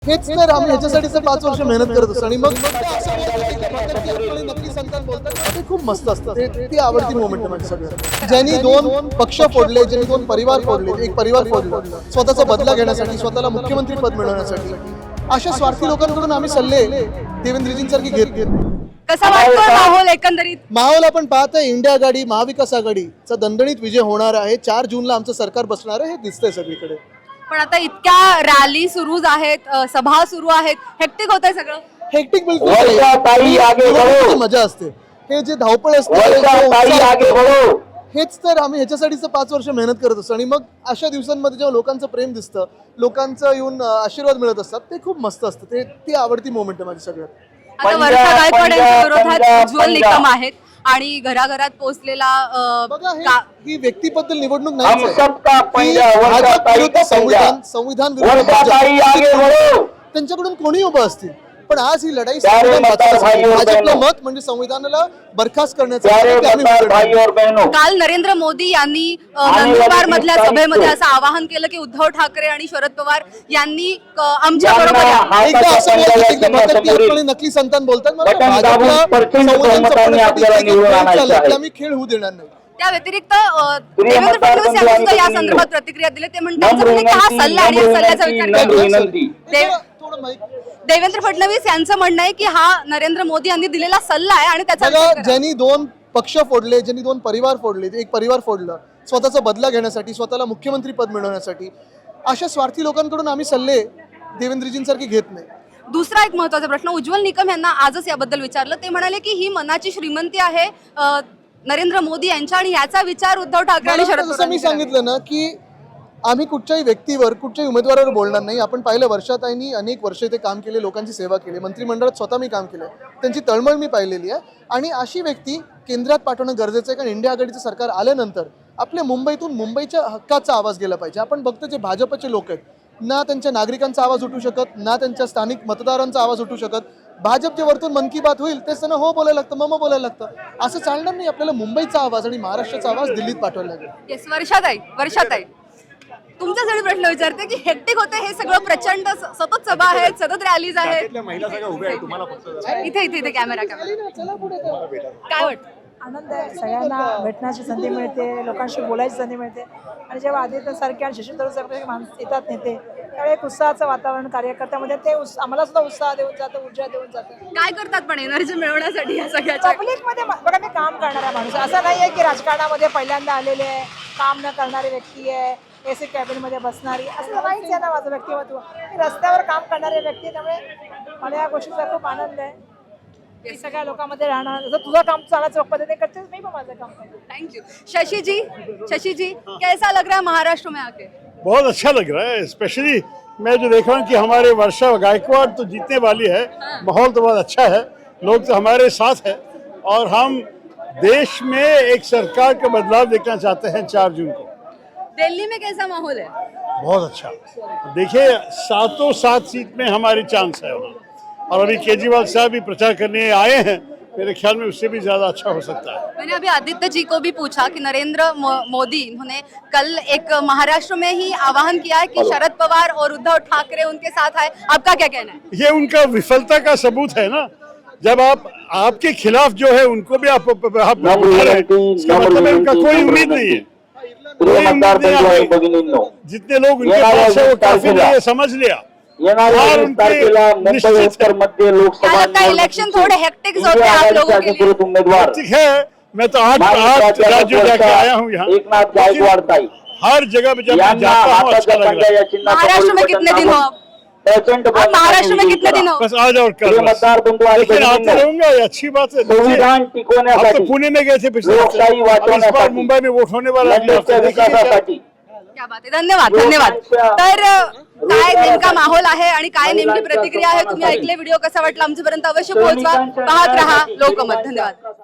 हेच तर आम्ही ह्याच्यासाठीच 5 वर्ष मेहनत करत असतो आणि मग नकली संतान बोलतात ते खूप मस्त असतं. ती आवडती मोमेंट आहे माझी सगळ्यात. ज्यांनी 2 पक्ष फोडले, ज्यांनी 2 परिवार फोडले, एक परिवार फोडला स्वतःचा बदला घेण्यासाठी, स्वतःला मुख्यमंत्री पद मिळवण्यासाठी, अशा स्वार्थी लोकांकडून आम्ही सल्ले देवेंद्रजींसारखी घेत कसा वाटतो माहोल एकंदरीत? माहोल आपण पाहतोय इंडिया आघाडी महाविकास आघाडीचा दणदणीत विजय होणार आहे. 4 जूनला आमचं सरकार बसणार आहे हे दिसतंय सगळीकडे. पण आता इतक्या रॅली सुरू आहेत, सभा सुरू आहेत, हेक्टिक होतंय सगळं. हेक्टिक बिलकुल नाही. मजा असते. हे जे धावपळ असते हेच तर आम्ही ह्याच्यासाठीच 5 वर्ष मेहनत करत असतो आणि मग अशा दिवसांमध्ये जेव्हा लोकांचं प्रेम दिसतं, लोकांचं येऊन आशीर्वाद मिळत असतात, ते खूप मस्त असतं. ती आवडती मोमेंट आहे माझी सगळ्यात. आता वर्षा गायकवाड यांच्या विरोधात उज्ज्वल निकम आहेत आणि घराघरात पोहोचलेला बघा ही व्यक्तीबद्दल निवडणूक नाही. संविधान विरुद्ध त्यांच्याकडून कोणी उभं असतील, पण आज ही लढाई भाजपलं मत म्हणजे संविधानाला बरखास्त करण्याचं. काल नरेंद्र मोदी यांनी नंदुरबार मधल्या सभेमध्ये असं आवाहन केलं की उद्धव ठाकरे आणि शरद पवार यांनी आमच्या बरोबर नकली संतान बोलतात. आम्ही खेळ होऊ देणार नाही. त्या व्यतिरिक्त देवेंद्र फडणवीस यांनी सुद्धा या संदर्भात प्रतिक्रिया दिली. ते म्हणतात हा सल्ला आणि सल्ल्याचा विचार देवेंद्र फडणवीस यांचं म्हणणं आहे की हा नरेंद्र मोदी यांनी दिलेला सल्ला आहे आणि त्याचा ज्यांनी 2 पक्ष फोडले, ज्यांनी 2 परिवार फोडले, एक परिवार फोडलं स्वतःचा बदला घेण्यासाठी, स्वतःला मुख्यमंत्री पद मिळवण्यासाठी, अशा स्वार्थी लोकांकडून आम्ही सल्ले देवेंद्रजींसारखी घेत नाही. दुसरा एक महत्त्वाचा प्रश्न उज्ज्वल निकम यांना आजच याबद्दल विचारलं. ते म्हणाले की ही मनाची श्रीमंती आहे नरेंद्र मोदी यांच्या आणि याचा विचार उद्धव ठाकरे आणि शरद पवार. मी सांगितलं ना की आम्ही कुठच्याही व्यक्तीवर, कुठच्याही उमेदवारावर बोलणार नाही. आपण पाहिलं वर्षाताईंनी अनेक वर्ष इथे काम केले, लोकांची सेवा केली, मंत्रिमंडळात स्वतः मी काम केलं, त्यांची तळमळ मी पाहिलेली आहे. आणि अशी व्यक्ती केंद्रात पाठवणं गरजेचं आहे, कारण इंडिया आघाडीचं सरकार आल्यानंतर आपल्या मुंबईतून मुंबईच्या हक्काचा आवाज गेला पाहिजे. आपण बघतो जे भाजपचे लोक आहेत, ना त्यांच्या नागरिकांचा आवाज उठू शकत, ना त्यांच्या स्थानिक मतदारांचा आवाज उठू शकत. भाजपच्या वरतून मन की बात होईल तेच त्यांना हो बोलायला लागतं, मम बोलायला लागतं. असं चालणार नाही. आपल्याला मुंबईचा आवाज आणि महाराष्ट्राचा आवाज दिल्लीत पाठवायला लागेल. वर्षाताई तुमच्यासाठी प्रश्न विचारते की हेक्टिक होते हे सगळं, प्रचंड सतत सभा आहेत, सतत रॅलीज आहेत. इथे कॅमेरा काय वाटतं? आनंद आहे, सगळ्यांना भेटण्याची संधी मिळते, लोकांशी बोलायची संधी मिळते. आणि जेव्हा आदित्यसारखे आणि शशी थरूर सारखे माणसं येतात नेते, त्यावेळी एक उत्साहाचं वातावरण कार्यकर्त्यामध्ये ते आम्हाला सुद्धा उत्साह देऊन जातं, ऊर्जा देऊन जातं. काय करतात पण एनर्जी मिळवण्यासाठी या सगळ्या? पब्लिकमध्ये बघा, मी काम करणारा माणूस, असं नाही आहे की राजकारणामध्ये पहिल्यांदा आलेले आहे, काम न करणारी व्यक्ती आहे, एसी कॅबिनमध्ये बसणारी, असं नाहीच आहे ना माझं व्यक्तिमत्व. मी रस्त्यावर काम करणारी व्यक्ती आहे, त्यामुळे मला या गोष्टीचा खूप आनंद आहे की सगळ्या लोकांमध्ये राहणार. जर तुझं काम चालायचं पद्धतीने करते, मी पण माझं काम करते. Thank you. शशि जी कैसा लग रहा है महाराष्ट्र में आके? बहुत अच्छा लग रहा है. स्पेशली मैं जो देख रहा हूँ कि हमारे वर्षा गायकवाड़ तो जीतने वाली है. माहौल तो बहुत अच्छा है, लोग तो हमारे साथ है और हम देश में एक सरकार का बदलाव देखना चाहते हैं 4 जून को. दिल्ली में कैसा माहौल है? बहुत अच्छा. देखिए 7 सीट में हमारी चांस है वहाँ, और अभी केजरीवाल साहब भी प्रचार करने आए हैं. मेरे ख्याल में उससे भी ज्यादा अच्छा हो सकता है. मैंने अभी आदित्य जी को भी पूछा कि नरेंद्र मोदी उन्होंने कल एक महाराष्ट्र में ही आह्वान किया है कि शरद पवार और उद्धव ठाकरे उनके साथ है. आपका क्या कहना है? ये उनका विफलता का सबूत है ना. जब आप आपके खिलाफ जो है उनको भी आप इसका मतलब है उनका कोई उम्मीद नहीं है. जितने लोग उनके पास है वो काफी नहीं है, समझ लिया. इलेक्शन थोड़े हेक्टिक होते हैं आप लोगों के लिए. है. मैं तो 8 राज्यों जाके आया हूँ यहाँ, हर जगह पे जब मैं जाता हूँ अच्छा लग रहा है. महाराष्ट्र में कितने दिन हो आप? महाराष्ट्र में कितने दिन हो? बस आज और कल, लेकिन आते रहूंगा, ये अच्छी बात है. आप तो पुणे में गए थे पिछले हफ्ते, इस बार मुंबई में वोट होने वाला है. क्या बात आहे. धन्यवाद. तर काय नेमका माहोल आहे आणि काय नेमकी प्रतिक्रिया आहे तुम्ही ऐकले. व्हिडिओ कसा वाटला आमच्यापर्यंत अवश्य पोहोचवा. पाहत रहा लोकमत. धन्यवाद.